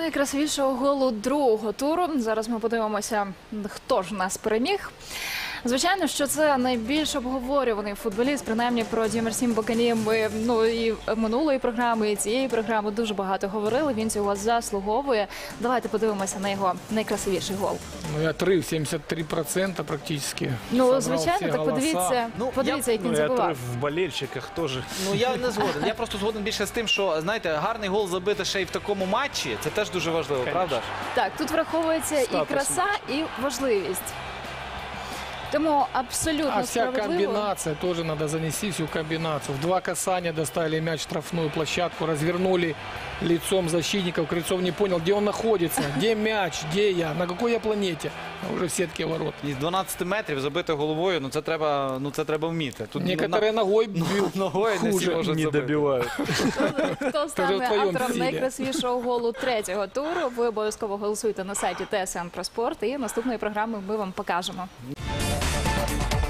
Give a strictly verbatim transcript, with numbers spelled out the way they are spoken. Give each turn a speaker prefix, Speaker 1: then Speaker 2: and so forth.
Speaker 1: найкрасивішого голу другого туру. Зараз ми подивимося, хто ж нас переміг. Звичайно, що це найбільш обговорюваний футболіст, принаймні про Діомарсім Бакані ми ну, і минулої програми, і цієї програми дуже багато говорили, він цього заслуговує. Давайте подивимося на його найкрасивіший гол.
Speaker 2: Ну, отрыв сімдесят три відсотки практично.
Speaker 1: Ну, звичайно, так подивіться,
Speaker 3: Ну,
Speaker 1: подивіться,
Speaker 3: я-
Speaker 1: як він
Speaker 4: Ну, и
Speaker 1: забивав.
Speaker 4: отрыв в болельщиках тоже.
Speaker 3: Ну я не згоден. Я просто згоден більше з тим, що знаєте, гарний гол забити ще й в такому матчі. Це теж дуже важливо, правда?
Speaker 1: Так, тут враховується і
Speaker 4: Статус.
Speaker 1: краса, і важливість. Тому абсолютно
Speaker 2: А вся
Speaker 1: справедливо.
Speaker 2: комбинация, тоже надо занести всю комбинацию. В два касания доставили мяч в штрафную площадку, развернули лицом защитников. Крыльцов не понял, где он находится, где мяч, где я, на какой я планете. А уже в сетке ворот.
Speaker 3: Із дванадцяти метрів забити головою, ну це треба, ну це треба вміти. Тут
Speaker 2: Некоторые ногой бьют.
Speaker 3: ногою не всі
Speaker 2: хуже
Speaker 3: можуть
Speaker 4: Не
Speaker 3: забити.
Speaker 4: добивают.
Speaker 1: Хто
Speaker 2: в
Speaker 1: стане
Speaker 2: твоєму
Speaker 1: автором
Speaker 2: стилі.
Speaker 1: найкрасивішого голу третього туру? Ви обов'язково голосуйте на сайті Т С Н про спорт. І наступної програми ми вам покажемо.